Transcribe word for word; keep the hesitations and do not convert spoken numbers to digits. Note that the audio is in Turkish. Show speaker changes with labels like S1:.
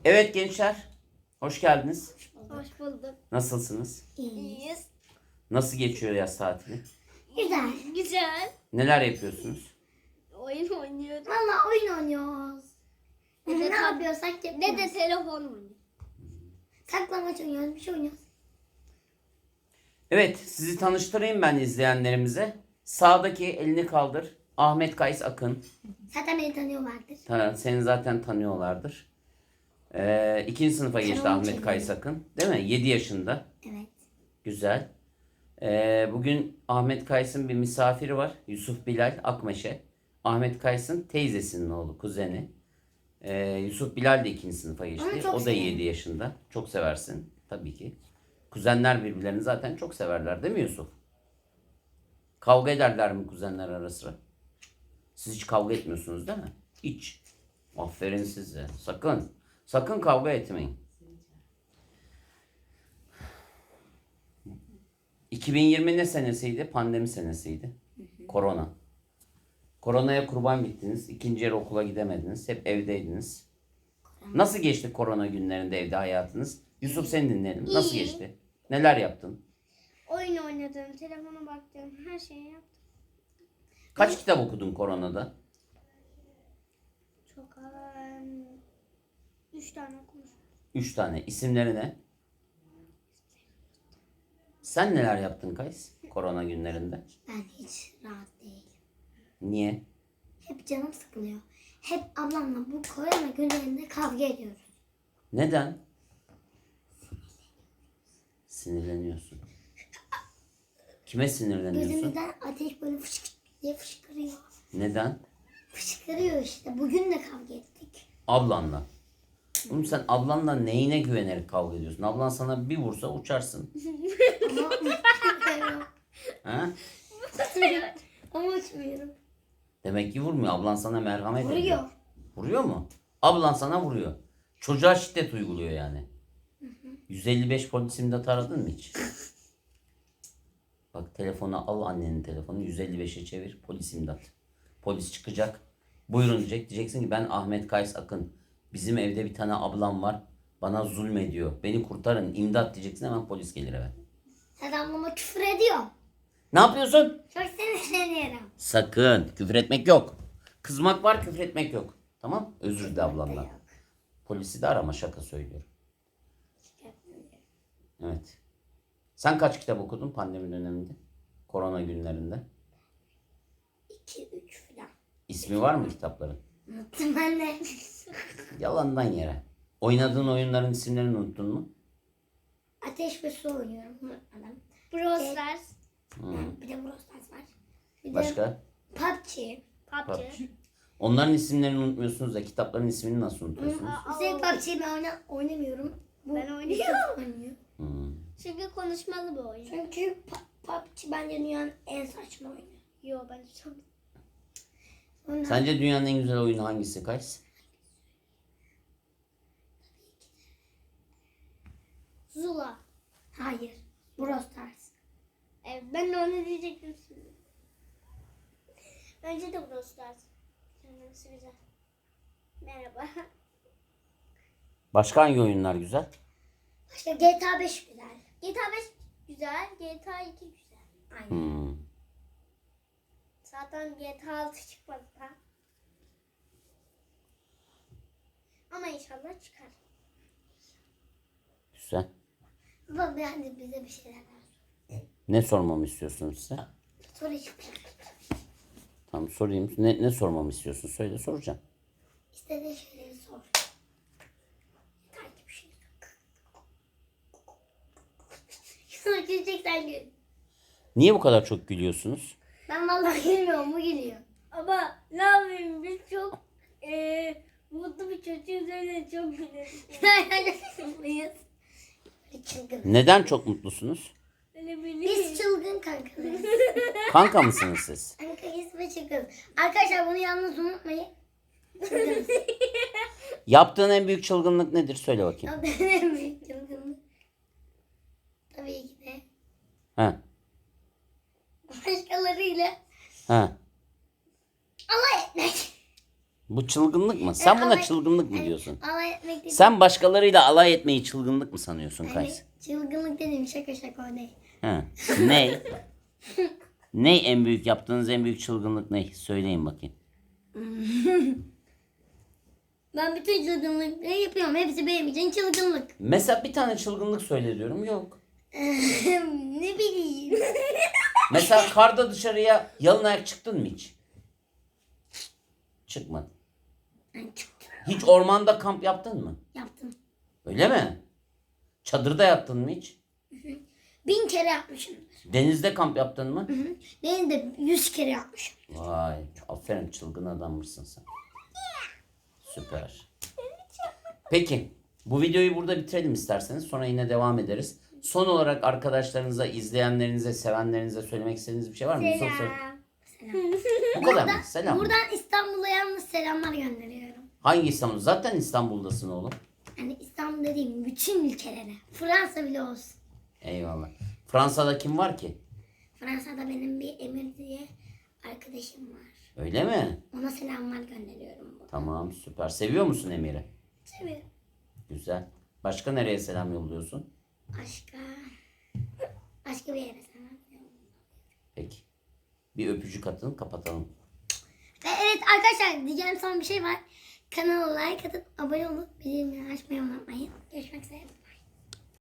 S1: Evet gençler, hoş geldiniz.
S2: Hoş bulduk.
S1: Nasılsınız?
S2: İyiyiz.
S1: Nasıl geçiyor yaz tatili?
S3: Güzel.
S2: Güzel.
S1: Neler yapıyorsunuz?
S2: Oyun oynuyoruz.
S3: Valla oyun oynuyoruz.
S2: Ne de
S3: ne
S2: tab-
S3: yapıyorsak
S2: Ne
S3: yapıyoruz.
S2: de telefon oynuyoruz.
S3: Saklambaç oynuyoruz, bir şey oynuyoruz.
S1: Evet, sizi tanıştırayım ben izleyenlerimize. Sağdaki elini kaldır. Ahmet Kays Akın.
S3: Zaten beni tanıyorlardır.
S1: Ta- Seni zaten tanıyorlardır. Ee, ikinci sınıfa geçti
S3: Tamam,
S1: Ahmet
S3: çekelim.
S1: Kays Akın. Değil mi? yedi yaşında.
S3: Evet.
S1: Güzel. Ee, bugün Ahmet Kays'ın bir misafiri var. Yusuf Bilal Akmeşe. Ahmet Kays'ın teyzesinin oğlu, kuzeni. Ee, Yusuf Bilal de ikinci sınıfa
S3: Onu
S1: geçti.
S3: çok
S1: O da
S3: severim.
S1: yedi yaşında. Çok seversin tabii ki. Kuzenler birbirlerini zaten çok severler değil mi Yusuf? Kavga ederler mi kuzenler ara sıra? Siz hiç kavga etmiyorsunuz değil mi? Hiç. Aferin size. Sakın. Sakın kavga etmeyin. iki bin yirmi ne senesiydi? Pandemi senesiydi. Korona. Koronaya kurban gittiniz. İkinci yarı okula gidemediniz. Hep evdeydiniz. Nasıl geçti korona günlerinde evde hayatınız? Yusuf seni dinleyelim. Nasıl
S2: İyi.
S1: geçti? Neler yaptın?
S2: Oyun oynadım, telefona baktım, her şeyi yaptım.
S1: Kaç kitap okudun koronada?
S2: Çok um, üç tane okumuş.
S1: Üç tane. İsimleri ne? Sen neler yaptın Kays? Korona günlerinde.
S3: Ben hiç rahat değilim.
S1: Niye?
S3: Hep canım sıkılıyor. Hep ablamla bu korona günlerinde kavga ediyoruz.
S1: Neden? Sinirleniyorsun. Kime sinirleniyorsun?
S3: Gözümüzden ateş böyle fışk diye fışkırıyor.
S1: Neden?
S3: Fışkırıyor işte. Bugün de kavga ettik.
S1: Ablanla. Oğlum sen ablanla neyine güvenerek kavga ediyorsun? Ablan sana bir vursa uçarsın.
S3: Ama uçmuyorum.
S1: Ha?
S3: Ama uçmuyorum.
S1: Demek ki vurmuyor. Ablan sana merhamet ediyor.
S3: Vuruyor.
S1: Vuruyor mu? Ablan sana vuruyor. Çocuğa şiddet uyguluyor yani. yüz elli beş polis imdat aradın mı hiç? Bak telefonu al, annenin telefonu yüz elli beşe çevir, polis imdat. Polis çıkacak. Buyurun diyecek. Diyeceksin ki ben Ahmet Kays Akın. Bizim evde bir tane ablam var. Bana zulmediyor. Beni kurtarın, imdat diyeceksin, hemen polis gelir eve.
S3: Sen ablama küfür ediyor.
S1: Ne yapıyorsun?
S3: Çok sinirleniyorum.
S1: Sakın. Küfür etmek yok. Kızmak var, küfür etmek yok. Tamam? Özür dile ablandan.
S3: Yok.
S1: Polisi de arama, şaka söylüyorum. Evet. Sen kaç kitap okudun pandemi döneminde? Korona günlerinde.
S3: İki, üç falan.
S1: İsmi var mı kitapların?
S3: Unuttum ben de.
S1: Yalandan yere. Oynadığın oyunların isimlerini unuttun mu?
S3: Ateş ve su oynuyorum. Unutmadım.
S2: Brawl Stars,
S1: Hmm.
S3: Bir de Brawl Stars var. Bir de
S1: Başka?
S3: P U B G.
S2: P U B G.
S1: PUBG. Onların isimlerini unutmuyorsunuz da kitapların ismini nasıl unutuyorsunuz?
S3: Mesela P U B G'yi ben oyna, oynamıyorum. Bu
S2: Ben oynuyorum.
S3: Yusuf oynuyor.
S1: Hmm.
S2: Çünkü konuşmalı bir oyun.
S3: Çünkü P- P U B G bence dünyanın en saçma oyunu.
S2: Yo bence çok.
S3: Ondan
S1: Sence dünyanın en güzel oyunu hangisi Kays?
S2: Zula.
S3: hayır. Brawl Stars.
S2: Evet, ben de onu diyecektim şimdi. Bence de Brawl Stars. Kendisi güzel. Merhaba.
S1: Başka hangi oyunlar güzel?
S3: Başka G T A beş güzel.
S2: G T A beş güzel, G T A iki güzel.
S3: Aynen.
S1: Hmm.
S2: Zaten G T A altı çıkmadı da. Ama inşallah çıkar.
S1: Güzel.
S3: Baba hadi bize bir şeyler ver.
S1: Ne sormamı istiyorsunuz size?
S3: Soru hiçbir şey.
S1: Tamam sorayım. Ne, ne sormamı istiyorsun? Söyle, soracağım.
S3: İstediğin şeyleri sor. Yeter ki bir şey sor. Sonra güleceksen gül.
S1: Niye bu kadar çok gülüyorsunuz?
S3: Ben vallahi gülmüyorum, bu gülüyor.
S2: Ama ne yapayım biz çok eee mutlu bir çocuğuz öyle çok güleriz.
S3: Muyuz? Böyle çılgın.
S1: Neden çok mutlusunuz?
S2: Öyle
S3: Biz
S2: biliriz.
S3: çılgın kankalarız.
S1: Kanka mısınız siz?
S3: Kankayız ve çılgın. Arkadaşlar bunu yalnız unutmayın. Çılgınız.
S1: Yaptığın en büyük çılgınlık nedir? Söyle bakayım.
S3: O da en büyük çılgınlık. Tabii ki de
S1: Ha.
S3: başkalarıyla
S1: Ha.
S3: alay etmek.
S1: Bu çılgınlık mı? Sen
S3: E,
S1: buna
S3: alay-
S1: çılgınlık mı
S3: hani
S1: diyorsun?
S3: Alay etmek dedim.
S1: Sen başkalarıyla alay etmeyi çılgınlık mı sanıyorsun
S3: Hani
S1: Kays?
S3: çılgınlık dedim, şaka şaka o değil.
S1: Ha. Ne? Ne en büyük yaptığınız en büyük çılgınlık ne? Söyleyin bakayım.
S3: Ben bütün çılgınlıkları yapıyorum. Hepsi benim için çılgınlık.
S1: Mesela bir tane çılgınlık söyle diyorum. Yok.
S3: Ne bileyim.
S1: Mesela karda dışarıya yalın ayak çıktın mı hiç? Çıkmadın.
S3: Ben çıktım.
S1: Hiç ormanda kamp yaptın mı?
S3: Yaptım.
S1: Öyle mi? Çadırda yattın mı hiç?
S3: Bin kere yapmışım.
S1: Denizde kamp yaptın mı?
S3: Ben de yüz kere yapmışım.
S1: Vay, aferin çılgın adammışsın sen. Süper. Peki, bu videoyu burada bitirelim isterseniz. Sonra yine devam ederiz. Son olarak arkadaşlarınıza, izleyenlerinize, sevenlerinize söylemek istediğiniz bir şey var mı? Yusuf, söyle.
S3: Selam.
S1: Bu kadar mı? Selam mı?
S3: Buradan İstanbul'a yalnız selamlar gönderiyorum.
S1: Hangi İstanbul? Zaten İstanbul'dasın oğlum.
S3: Yani İstanbul dediğim bütün ülkelere. Fransa bile olsun.
S1: Eyvallah. Fransa'da kim var ki?
S3: Fransa'da benim bir Emir diye arkadaşım var.
S1: Öyle mi?
S3: Ona selamlar gönderiyorum. Buradan.
S1: Tamam, süper. Seviyor musun Emir'i?
S3: Seviyorum.
S1: Güzel. Başka nereye selam yolluyorsun?
S3: Başka... Başka bir yere selam.
S1: Peki. Bir öpücük atın, kapatalım.
S3: Ve evet arkadaşlar, diyeceğim son bir şey var. Kanala like atıp abone olup bildirimleri açmayı unutmayın. Görüşmek üzere.